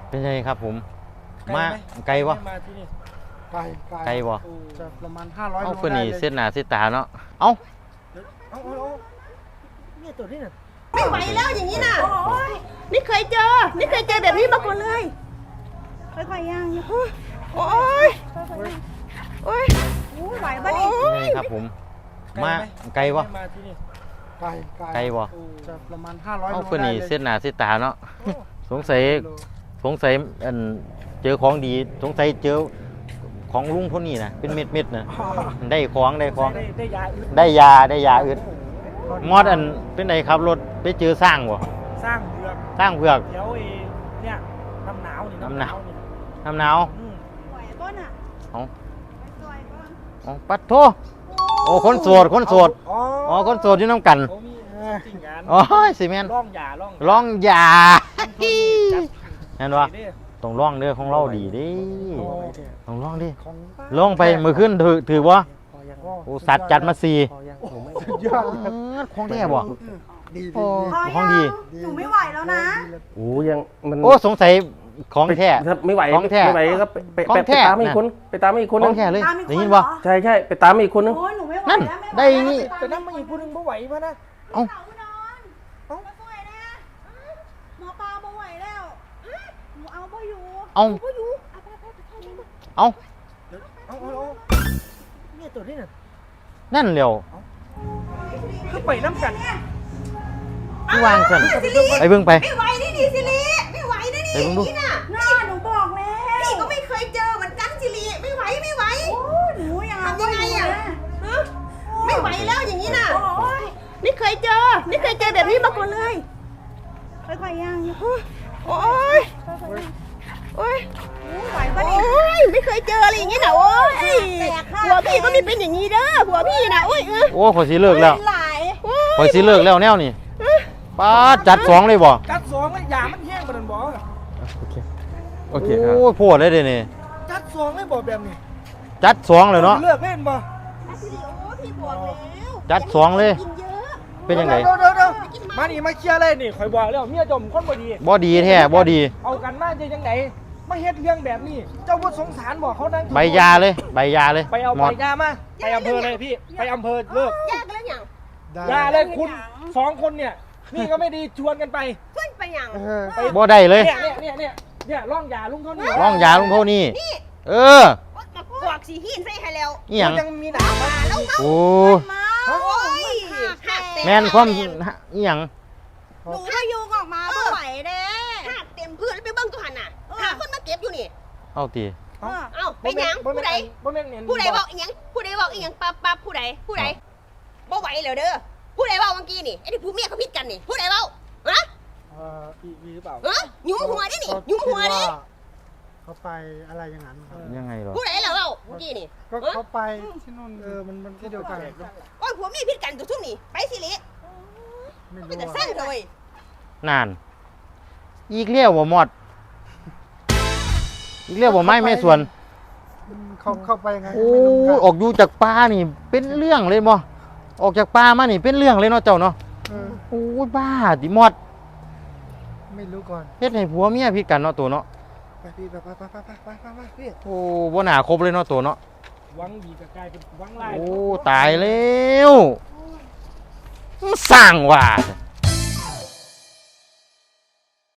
เป็นไงครับผมมาไกลวะไกลวะจะประมาณ500 โลเอาคนนี้ได้เลยเส้นหน้าเส้นตาเนาะเอ้าเนี่ยตัวนี้น่ะไม่ไหวแล้วอย่างนี้น่ะไม่เคยเจอแบบนี้มาก่อนเลยค่อยๆย่างโอ้ยโอ้ยไหวปะนี่เป็นไงครับผมมาไกลวะไกลวะจะประมาณ500 โลเอาคนนี้ได้เลยเส้นหน้าเส้นตาเนาะสงสัยอันเจอของดีสงสัยเจอของลุงคนนี้นะเป็นเม็ดๆนะได้ของได้ยาอึดมอดอันเป็นไงครับรถไปเจอสร้างบ่สร้างเผือกเดี๋ยวเนี่ยน้ำหนาวนี่น้ำหนาวไหวก้นอ่ะเอาปัดโทโอ้คนโสดอ๋อคนโสดอยู่น้ำกันเขามีจริงกันอ๋อสิแม่นร่องยาเห็นวะต้องร้องเด้อของเราดีดิต้องร้องดิของร้องไปมือขึ้นถือบ่โอ้สัตว์จัดมาสี่สุดยอดเลยของแท้บ่ดีโอ้ของดีหนูไม่ไหวแล้วนะโอ้ยังมันโอ้สงสัยของแท้ถ้าไม่ไหวของแท้ไม่ไหวก็ไปของแท้ตามอีกคนไปตามอีกคนขนึองงแท้เลยตามอีกคนได้ยินเหรบ่อใช่ใช่ไปตามอีกคนนึงโอ้ยหนูไม่ไหวนั่นแล้วไม่ไหวได้นี่แต่น้ำมันอีกพูดนึงบ่ไหวมานะเอ้าอุดรมาช่วยนะหมอปลาบ่ไหวแล้วหนูเอาบ่อยู่เอาบ่อยู่เอาเอาเนี่ยตัวนี้น่ะนั่นเร็วคือไปน้ำกันที่วางสั่นไปเบิ่งไปไม่ไหวนี่ดิสิริไม่ไหวนะนี่ไปเบิ่งดูนี่น่ะหนูบอกแล้วนี่ก็ไม่เคยเจอเหมือนกันสิริไม่ไหวโอ้หนูยังทำยังไงอ่ะไม่ไหวแล้วอย่างนี้น่ะไม่เคยเจอแบบนี้มาก่อนเลยค่อยๆย่างโอ้ยไหวปะนี่ไม่เคยเจออะไรอย่างนี้น่ะโอ้ยหัวพี่ก็ไม่เป็นอย่างนี้เด้อหัวพี่น่ะโอ้ยโอ้ขอยสิเลิกแล้วหลายขอยสิเลิกแล้วแนวนี่ป้าดจัดสองเลยบ่กัดสองเลยยามันแห้งปานนั้นบ่โอเคครับโอ้ยโพดเลยเด้นี่กัดสองเลยบ่แบบนี้จัดสองเลยเนาะเลิกเล่นบ่พี่บอกแล้วจัดสองเลยกินเยอะเป็นยังไงเดี๋ยวมานี่มาเคลียร์เลยนี่ข่อยบอกแล้วเมียจมคนบ่ดีบ่ดีแท้บ่ดีเอากันมาจะยังไงมาเฮ็ดเรื่องแบบนี้ เจ้าบ่สงสารบอกเขานั่งใบยาเลย ไปเอาใบยามาไปอำเภอเลยพี่ไปอำเภอเลิกยากแล้วอย่างยาเลยคุณสองคนเนี่ยนี่ก็ไม่ดีชวนกันไปขึ้นไปอย่างบ่ได้เลยเนี่ยร่องยาลุงเท่านี้ร้องยาลุงโทนี่นี่เออมากวกสีหินใส่ให้แล้วอีหยังยังมีหนามมาแล้วก็โอ้มาโอ้ยหักเต็มแม่นความอีหยังหนูก็ยุงออกมาไม่ไหวเด้หักเต็มพื้นแล้วไปเบิ้งตัวหันน่ะหาคนมาเก็บอยู่นี่เอาตีเอ้าเป็นหยังผู้ใดบ่แม่นเนี่ยผู้ใดบอกอีหยังผู้ใดบอกอีหยังปั๊บผู้ใดบ่ไหวแล้วเด้อผู้ใดบอกเมื่อกี้นี่ไอ้ที่ผู้เมียเขาพิดกันนี่ผู้ใดบอกฮะมีหรือเปล่าหยุมหัวดินี่หยุมหัวดิเขาไปอะไรอย่างนั้นครับยังไงหรอผู้ใดแล้วเมื่อกี้นี่ก็เขาไปที่นู่นมันที่เดียวกันโอ้ยผัวเมียพิดกันตัวทุ่มนี่ไปสิลิไม่เป็นรู้แต่สร้างเลยนาน อีกเลี้ยวบ่หมด อีกเลี้ยวบ่ไม้แม่ส่วนเข้าไปยังไงโอ้ออกอยู่จากป่านี่ เป็นเรื่องเลยบ่ออกจากป่ามานี่เป็นเรื่องเลยเนาะเจ้าเนาะโอ้ยบ้าดิหมดไม่รู้ก่อนเฮ็ดให้ผัวเมียผิดกันเนาะตัวเนาะไปพี่ไปพี่โอ้บ่น่าครบเลยเนาะตัวเนาะวังดีกับกลายเป็นวังไล่โอ้ตายแล้วมันสร้างว่ะ